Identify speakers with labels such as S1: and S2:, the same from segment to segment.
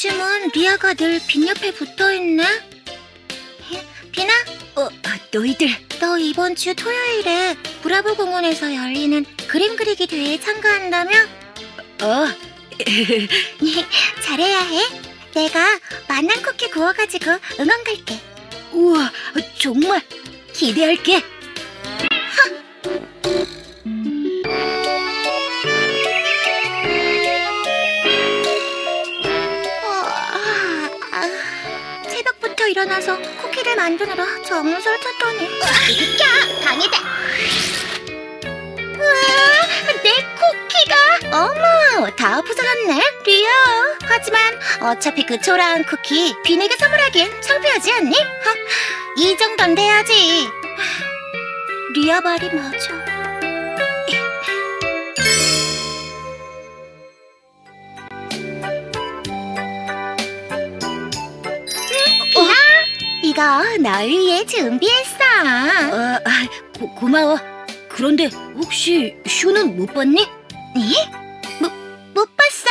S1: 요즘은 리아가 늘 빈 옆에 붙어있네. 비나?
S2: 너희들.
S1: 너 이번 주 토요일에 브라보 공원에서 열리는 그림 그리기 대회에 참가한다며? 잘해야 해. 내가 만난 쿠키 구워가지고 응원 갈게.
S2: 우와, 정말 기대할게.
S1: 새벽부터 일어나서 쿠키를 만드느라 정신을 탔더니 비켜! 방해다! 우와! 내 쿠키가! 어머! 다 부서졌네, 리아. 하지만 어차피 그 초라한 쿠키 빈에게 선물하기엔 창피하지 않니? 이 정도는 돼야지. 리아 말이 맞아. 이거 널 위해 준비했어.
S2: 고마워. 그런데 혹시 슈는 못 봤니?
S1: 네? 못 봤어?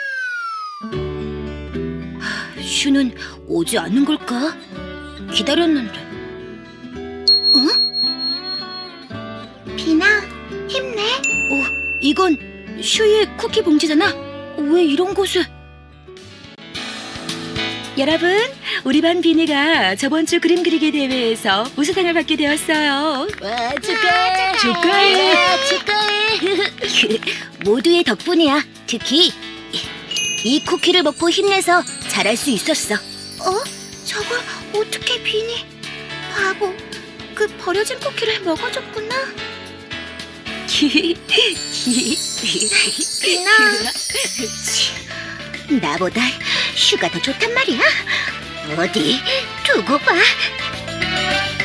S2: 슈는 오지 않는 걸까? 기다렸는데.
S1: 비나, 힘내.
S2: 이건 슈의 쿠키 봉지잖아. 왜 이런 곳에? 여러분, 우리 반 비니가 저번 주 그림 그리기 대회에서 우수상을 받게 되었어요. 축하해. 모두의 덕분이야. 특히 이 쿠키를 먹고 힘내서 잘할 수 있었어.
S1: 저걸 어떻게 비니? 바보, 그 버려진 쿠키를 먹어줬구나. 비나.
S2: 나보다 슈가 더 좋단 말이야. 어디 두고 봐.